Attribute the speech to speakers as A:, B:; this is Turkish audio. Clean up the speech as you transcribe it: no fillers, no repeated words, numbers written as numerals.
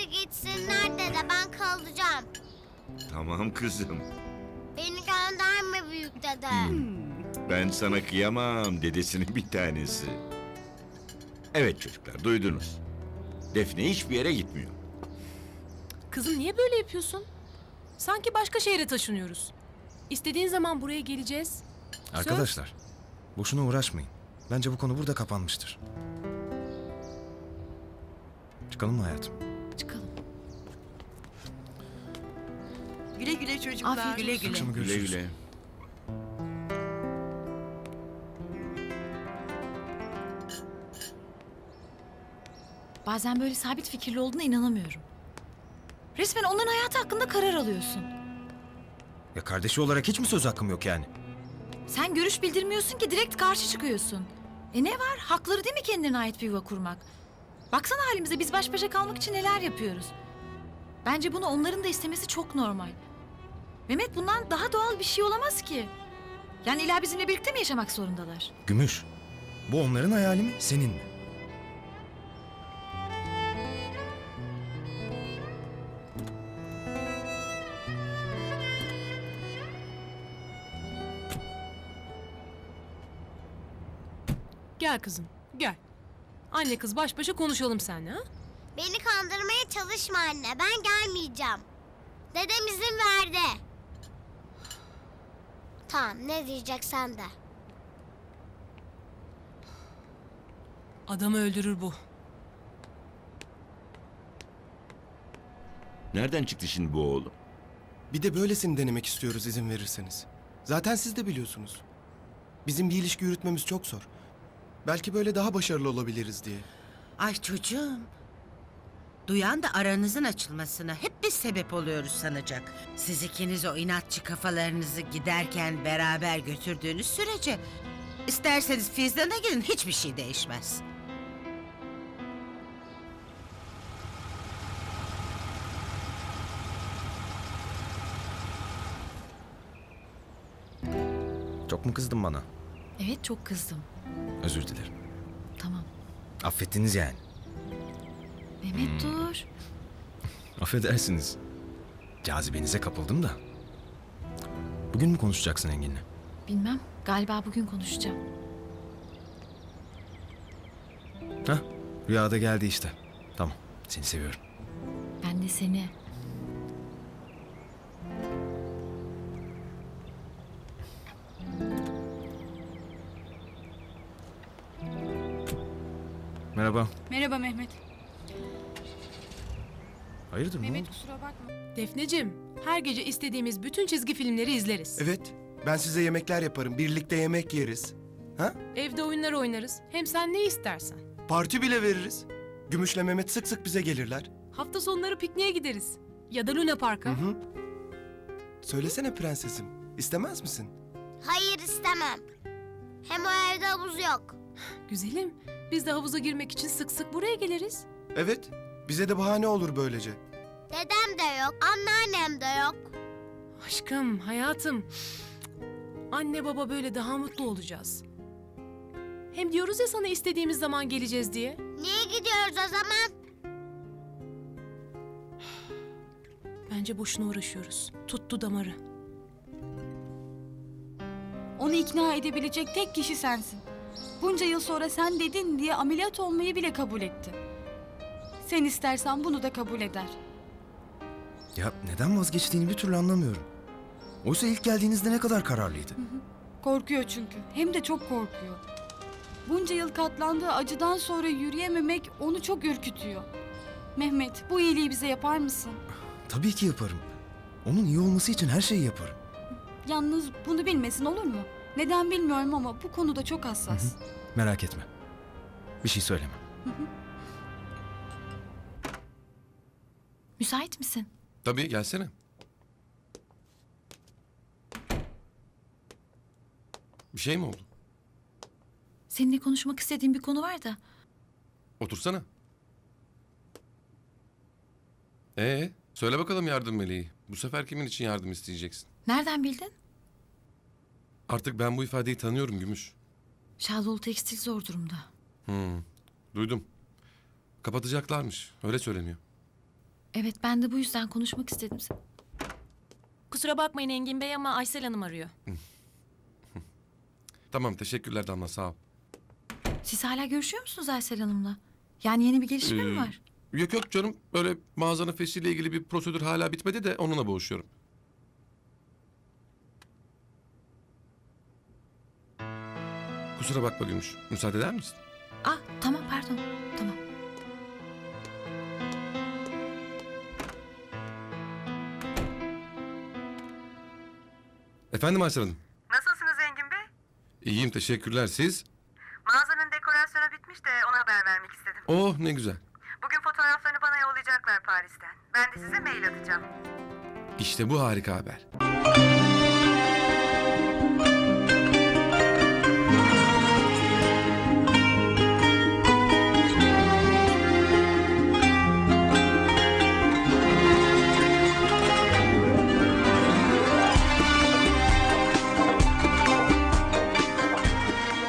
A: gitsinler dede, ben kalacağım.
B: Tamam kızım.
A: Beni gönderme büyük dede.
B: Ben sana kıyamam, dedesinin bir tanesi. Evet çocuklar, duydunuz. Defne hiçbir yere gitmiyor.
C: Kızım niye böyle yapıyorsun? Sanki başka şehre taşınıyoruz. İstediğin zaman buraya geleceğiz.
D: Arkadaşlar, boşuna uğraşmayın. Bence bu konu burada kapanmıştır. Çıkalım mı hayatım?
E: Çıkalım.
F: Güle güle çocuklar.
E: Afiyet
F: Güle
E: olsun.
F: güle.
D: Akşama
B: Güle
D: görüşürüz.
B: güle.
E: Bazen böyle sabit fikirli olduğuna inanamıyorum. Resmen onların hayatı hakkında karar alıyorsun.
D: Ya kardeşi olarak hiç mi söz hakkım yok yani?
E: Sen görüş bildirmiyorsun ki direkt karşı çıkıyorsun. Ne var? Hakları değil mi kendine ait bir yuva kurmak? Baksana halimize, biz baş başa kalmak için neler yapıyoruz. Bence bunu onların da istemesi çok normal. Mehmet, bundan daha doğal bir şey olamaz ki. Yani illa bizimle birlikte mi yaşamak zorundalar?
D: Gümüş, bu onların hayali mi, senin mi?
C: Gel kızım, gel. Anne kız baş başa konuşalım seninle ha?
A: Beni kandırmaya çalışma anne, ben gelmeyeceğim. Dedem izin verdi. Tamam, ne diyeceksen de.
C: Adamı öldürür bu.
B: Nereden çıktı şimdi bu oğlum?
G: Bir de böylesini denemek istiyoruz izin verirseniz. Zaten siz de biliyorsunuz. Bizim bir ilişki yürütmemiz çok zor. Belki böyle daha başarılı olabiliriz diye.
F: Ay çocuğum. Duyan da aranızın açılmasına hep biz sebep oluyoruz sanacak. Siz ikiniz o inatçı kafalarınızı giderken beraber götürdüğünüz sürece... ...isterseniz Fizdan'a gidin, hiçbir şey değişmez.
D: Çok mu kızdın bana?
E: Evet, çok kızdım.
D: Özür dilerim.
E: Tamam.
D: Affettiniz yani.
E: Mehmet dur.
D: Affedersiniz. Cazibenize kapıldım da. Bugün mü konuşacaksın Engin'le?
E: Bilmem, galiba bugün konuşacağım.
D: Hah, rüyada geldi işte. Tamam, seni seviyorum.
E: Ben de seni.
D: Merhaba.
H: Merhaba Mehmet.
D: Hayırdır, ne
H: Mehmet
D: oldu?
H: kusura bakma.
C: Defneciğim, her gece istediğimiz bütün çizgi filmleri izleriz.
G: Evet, ben size yemekler yaparım. Birlikte yemek yeriz. Ha?
C: Evde oyunlar oynarız. Hem sen ne istersen.
G: Parti bile veririz. Gümüş'le Mehmet sık sık bize gelirler.
C: Hafta sonları pikniğe gideriz. Ya da Luna Park'a.
G: Hı. Söylesene prensesim, istemez misin?
A: Hayır, istemem. Hem o evde havuz yok.
C: Güzelim, biz de havuza girmek için sık sık buraya geliriz.
G: Evet, bize de bahane olur böylece.
A: Dedem de yok, anneannem de yok.
C: Aşkım, hayatım. Anne baba böyle daha mutlu olacağız. Hem diyoruz ya sana istediğimiz zaman geleceğiz diye.
A: Niye gidiyoruz o zaman?
C: Bence boşuna uğraşıyoruz. Tuttu damarı.
H: Onu ikna edebilecek tek kişi sensin. Bunca yıl sonra sen dedin diye ameliyat olmayı bile kabul etti. Sen istersen bunu da kabul eder.
D: Ya neden vazgeçtiğini bir türlü anlamıyorum. Oysa ilk geldiğinizde ne kadar kararlıydı.
H: Korkuyor çünkü. Hem de çok korkuyor. Bunca yıl katlandığı acıdan sonra yürüyememek onu çok ürkütüyor. Mehmet, bu iyiliği bize yapar mısın?
D: Tabii ki yaparım. Onun iyi olması için her şeyi yaparım.
H: Yalnız bunu bilmesin, olur mu? Neden bilmiyorum ama bu konuda çok hassas.
D: Merak etme. Bir şey söyleme.
E: Müsait misin?
I: Tabii gelsene. Bir şey mi oldu?
E: Seninle konuşmak istediğim bir konu var da.
I: Otursana. Söyle bakalım yardım meleği. Bu sefer kimin için yardım isteyeceksin?
E: Nereden bildin?
I: Artık ben bu ifadeyi tanıyorum Gümüş.
E: Şadoğlu Tekstil zor durumda.
I: Duydum. Kapatacaklarmış. Öyle söyleniyor.
E: Evet, ben de bu yüzden konuşmak istedim.
J: Kusura bakmayın Engin Bey ama Aysel Hanım arıyor.
I: Tamam teşekkürler Damla sağ ol.
E: Siz hala görüşüyor musunuz Aysel Hanım'la? Yani yeni bir gelişme mi var?
I: Yok yok canım böyle mağazanın feshiyle ilgili bir prosedür hala bitmedi de onunla boğuşuyorum. Kusura bakma Gümüş. Müsaade eder misin?
E: Ah, tamam, pardon. Tamam.
I: Efendim Aysel Hanım.
K: Nasılsınız Engin Bey?
I: İyiyim teşekkürler siz.
K: Mağazanın dekorasyonu bitmiş de ona haber vermek istedim.
I: Oh ne güzel.
K: Bugün fotoğraflarını bana yollayacaklar Paris'ten. Ben de size mail atacağım.
I: İşte bu harika haber.